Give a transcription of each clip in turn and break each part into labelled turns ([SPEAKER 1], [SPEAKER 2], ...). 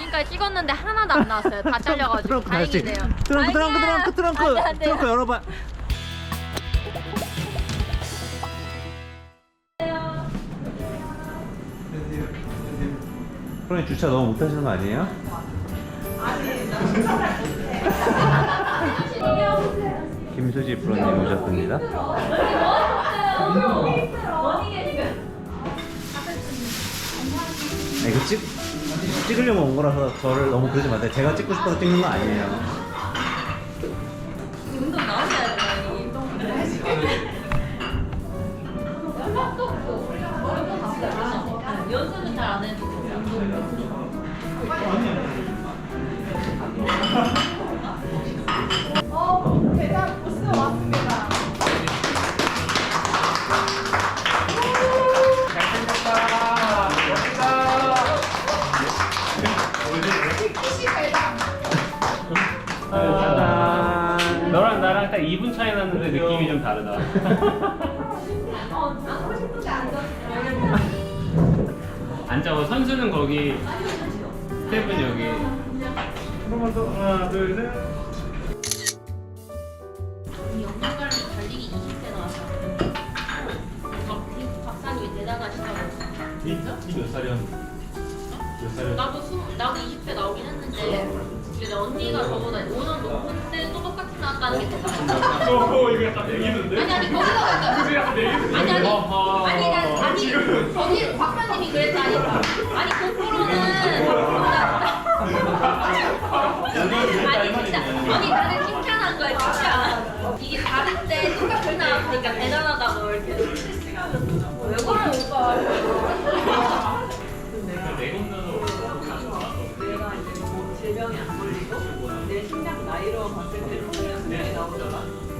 [SPEAKER 1] 지금까지 찍었는데 하나도 안 나왔어요. 다 잘려가지고 다행이네요.
[SPEAKER 2] 트렁크 열어봐. 프로님 주차 너무 못하시는 거 아니에요? 김수지 프로님 오셨습니다. 이거 찍으려고 온 거라서 저를 너무 그러지 마세요. 제가 찍고 싶어서 찍는 거 아니에요.
[SPEAKER 1] 운동 나오셔야 돼요. 연습은 잘 안 해도
[SPEAKER 3] 대장 보스 왔습니다.
[SPEAKER 4] 너랑 나랑 딱 2분 차이 났는데 느낌이 좀 다르다.
[SPEAKER 3] 하고 싶은데 앉았어요.
[SPEAKER 4] 앉아봐. 선수는 거기, 스텝은 여기. 한번 더. 하나, 둘, 셋.
[SPEAKER 1] 영양가를 달리기 20대 나왔어요. 박사님이 대단하시다고.
[SPEAKER 4] 진짜? 몇 살이었는데? 몇 살이었는데?
[SPEAKER 1] 나도 20대 나오긴 했는데 근데 언니가 저보다 5년 높은데 또 똑같이 나왔다는 게 대단하다.
[SPEAKER 4] 이거 약간 내기는데?
[SPEAKER 1] 아니 거기서
[SPEAKER 4] 그게 약간 내기는데?
[SPEAKER 1] 아니 거기 박사님이 그랬다니까. 아니 그 프로는 아니 진짜 아니 나는 칭찬한 거야 진짜. 이게 다른데 똑같이 나왔으니까 대단하다고 이렇게. 왜 그래 오빠.
[SPEAKER 5] 내가 이제 뭐 질병이 안 걸리고 내 심장 나이로 봤을 때 수명이 나오잖아.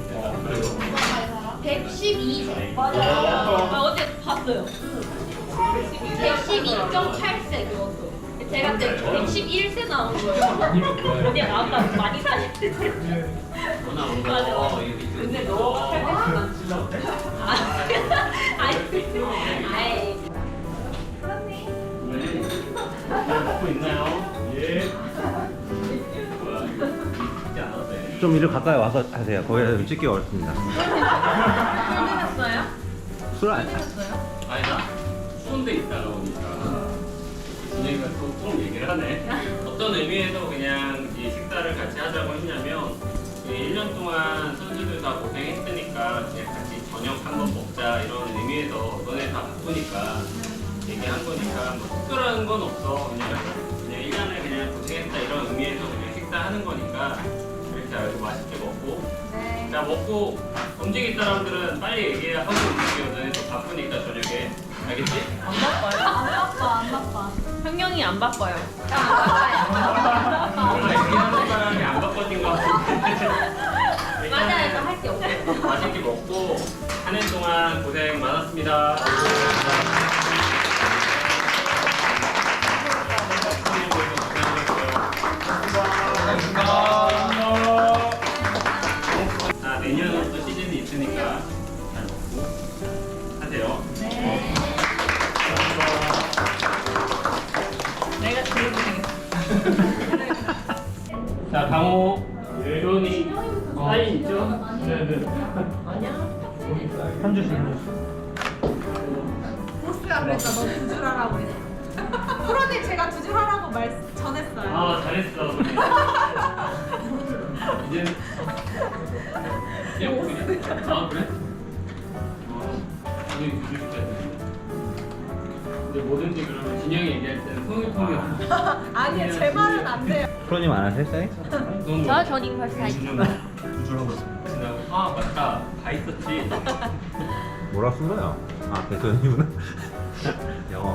[SPEAKER 1] 112세. 맞아요. 어제 봤어요. 112.8세 그것도. 제가 그때 111세 나온 거예요. 언니가 나왔다고 많이 사셨대. 맞아.
[SPEAKER 5] 근데 너 살때 난 진짜 어때?
[SPEAKER 1] 아이.
[SPEAKER 4] 먹고 있나요? 예.
[SPEAKER 2] 좀 이리 가까이 와서 하세요. 거기서 좀 찍기 어렵습니다.
[SPEAKER 1] 힘드셨어요?
[SPEAKER 2] 술 안.
[SPEAKER 4] 아니다. 추운 데 있다가 오니까 분위기가 좀 얘기를 하네. 어떤 의미에서 그냥 이 식사를 같이 하자고 했냐면 1년 동안 선수들 다 고생했으니까 그냥 같이 저녁 한번 먹자 이런 의미에서 너네 다 바쁘니까 얘기한 거니까 뭐 특별한 건 없어. 그냥 1년을 그냥 고생했다 이런 의미에서 그냥 식사하는 거니까 이렇게 알고 맛있게 먹고 자 먹고 움직일 사람들은 빨리 얘기하고 움직여. 너네 또 바쁘니까 저녁에 알겠지?
[SPEAKER 1] 안 바빠. 흥룡이 안 바빠요.
[SPEAKER 4] 원래 얘기하는 사람이 안 바빠진 것 같은데
[SPEAKER 1] 맞아요. 할 게 없어요.
[SPEAKER 4] 맛있게 먹고 한 해 동안 고생 많았습니다. 자, 내년은 또 시즌이 있으니까 잘 먹고 하세요.
[SPEAKER 1] 네.
[SPEAKER 5] 내가 제일 고생했어.
[SPEAKER 4] 자, 강호, 조은이 사인 있죠? 네네.
[SPEAKER 2] 한 주씩.
[SPEAKER 3] 보스가 그랬죠. 너 두 줄 하라고 했어. 프로님 제가 두 줄 하라고 전했어요.
[SPEAKER 4] 아, 잘했어. 이제 아, 그래? 진영이 주줄 때. 근데 뭐든지 그러면 진영이 얘기할 때는 통일통일.
[SPEAKER 3] 아니요, 제 말은 안 돼요.
[SPEAKER 2] 프로님 안 하세요? 사인?
[SPEAKER 1] 전 이걸 사이.
[SPEAKER 4] 아, 맞다. 다 있었지.
[SPEAKER 2] 뭐라 쓴 거야? 아, 대표님이구나. 영어.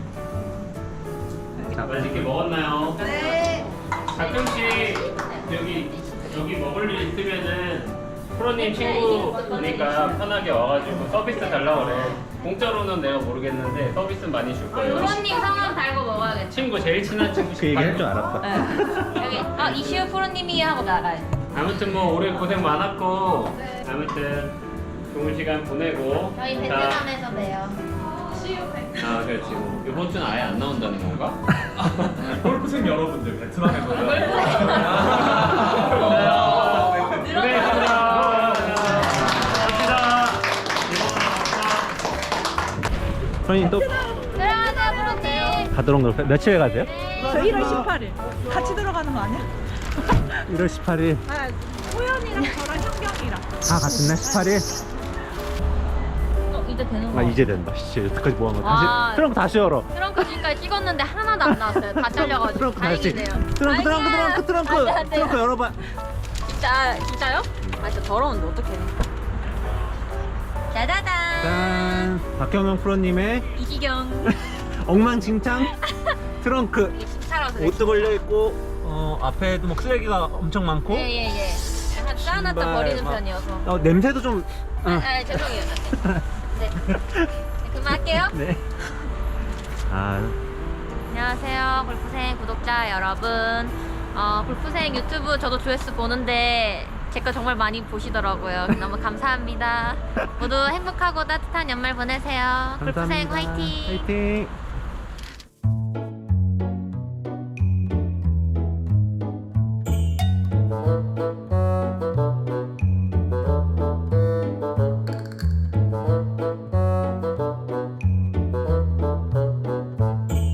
[SPEAKER 4] 맛있게 먹었나요?
[SPEAKER 3] 네.
[SPEAKER 4] 가끔씩 여기 먹을 일 있으면은 프로님 친구니까 편하게 와가지고 서비스 달라고 그래. 공짜로는 내가 모르겠는데 서비스는 많이 줄 거예요.
[SPEAKER 1] 프로님 성함 달고 먹어야겠다.
[SPEAKER 4] 친구 제일 친한 친구
[SPEAKER 2] 그 얘기 할 줄 알았다.
[SPEAKER 1] 여기 이시우 프로님이 하고 나가요.
[SPEAKER 4] 아무튼 뭐 올해 고생 많았고 아무튼 좋은 시간 보내고
[SPEAKER 1] 저희
[SPEAKER 4] 자,
[SPEAKER 1] 베트남에서 봬요.
[SPEAKER 3] 시우 백.
[SPEAKER 4] 아 그렇지 뭐 이번 주는 아예 안 나온다는 건가?
[SPEAKER 6] 골프생 여러분들 베트남에서
[SPEAKER 2] 프로님 또
[SPEAKER 1] 들어가세요, 프로님.
[SPEAKER 2] 가도록 놀 며칠에 가세요?
[SPEAKER 3] 저 1월 18일. 같이 들어가는 거 아니야?
[SPEAKER 2] 1월 18일.
[SPEAKER 3] 아, 호연이랑 저랑 현경이랑.
[SPEAKER 2] 다 같은 날 18일?
[SPEAKER 1] 이제 되는 거.
[SPEAKER 2] 아 이제 된다. 씨 여태까지 뭐 한 거
[SPEAKER 1] 아.
[SPEAKER 2] 다시 트렁크 다시 열어.
[SPEAKER 1] 트렁크 지금까지 찍었는데 하나도 안 나왔어요. 다 잘려가지고.
[SPEAKER 2] 트렁크 다시.
[SPEAKER 1] 다행이네요.
[SPEAKER 2] 트렁크
[SPEAKER 1] 아니야. 안 돼, 안 돼.
[SPEAKER 2] 트렁크 열어봐.
[SPEAKER 1] 진짜요? 아 진짜 더러운데 어떡해. 짜자잔.
[SPEAKER 2] 짠. 박경영 프로님의
[SPEAKER 1] 이기경.
[SPEAKER 2] 엉망진창 트렁크.
[SPEAKER 1] 이게 심차라서 그래.
[SPEAKER 2] 옷도 걸려 있고 앞에도 막 쓰레기가 엄청 많고.
[SPEAKER 1] 예예예. 약간 쌓아놨다
[SPEAKER 2] 신발
[SPEAKER 1] 버리는
[SPEAKER 2] 막-
[SPEAKER 1] 편이어서.
[SPEAKER 2] 냄새도 좀.
[SPEAKER 1] 죄송해요. 네. 그만할게요.
[SPEAKER 2] 네. 아
[SPEAKER 1] 안녕하세요 골프생 구독자 여러분. 골프생 유튜브 저도 조회수 보는데 제 거 정말 많이 보시더라고요. 너무 감사합니다. 모두 행복하고 따뜻한 연말 보내세요. 골프생
[SPEAKER 2] 감사합니다.
[SPEAKER 1] 화이팅.
[SPEAKER 2] 화이팅.